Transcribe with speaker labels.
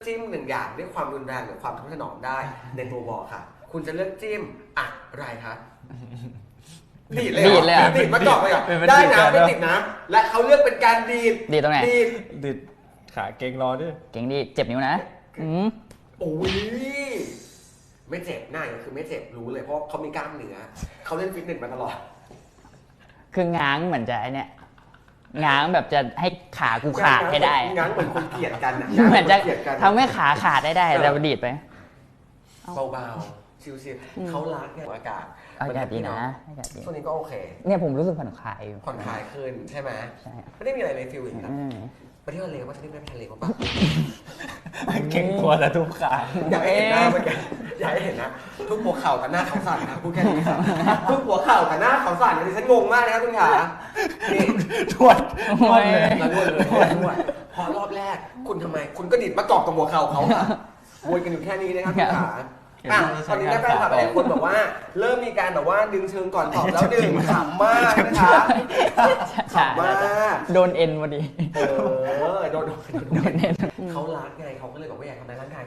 Speaker 1: จิ้มหนึ่งอย่างด้วยความรุนแรงหรือความทนุถนอมได้ในตัววอลค่ะ คุณจะเลือกจิ้มอะไรคะดีดเลยดีดมาก่อนเลยได้นะไม่ติดนะและเขาเลือกเป็นการดีด
Speaker 2: ดีตรงไหน
Speaker 3: ดีดขาเก่งรอด้วย
Speaker 2: เก่งดีเจ็บนิ้วนะ
Speaker 1: โอ้ยไม่เจ็บหน้าคือไม่เจ็บรู้เลยเพราะเขามีกล้ามเนื้อเขาเล่นฟิตเนสมาตลอด
Speaker 2: คือง้างเหมือนจะไอเนี้ยง้างแบบจะให้ขากูขาดให้ได้
Speaker 1: ง้างเหมือนคนเกลียดกัน
Speaker 2: เหมือนจะทำให้ขาขาดได้แต่ดีดไป
Speaker 1: เบาๆชิวๆเขารักเนี่ยอากาศ
Speaker 2: ดีนะอากาศดี
Speaker 1: ช่วงนี้ก็โอเค
Speaker 2: เนี่ยผมรู้สึกผ่อนคลาย
Speaker 1: ขึ้นใช่ไหม
Speaker 2: ใช่
Speaker 1: ไม่ได้มีอะไรเลยฟิลอย่างนั้นไปเที่ยวทะเลว่าจะได้ไปทะเลป่ะ
Speaker 3: เก่งตัวแต่ทุกขา
Speaker 1: อยากให้เห็นหน้าเมื่อกี้อยากให้เห็นนะทุกหัวเข่ากับหน้าเขาสั่นนะพูดแค่นี้ครับทุกหัวเข่ากับหน้าเขาสั่นดิฉันงงมากนะครับคุณขานี่
Speaker 3: ทวด
Speaker 1: เลยพอรอบแรกคุณทำไมคุณก็ดิดมากรอบกับหัวเข่าเขาค่ะวนกันอยู่แค่นี้นะครับคุณขาตอนนี้แฟนคลับหลายคนบอกว่าเริ่มมีการแบบว่าดึงเชิงก่อนตอบแล้วดึงขำมากนะคะขำมาก
Speaker 2: โดนเอ็นพอดี
Speaker 1: โดนเอ็นเขารักไงเขาก็เลยบอกว่าอยากทำในร่างกาย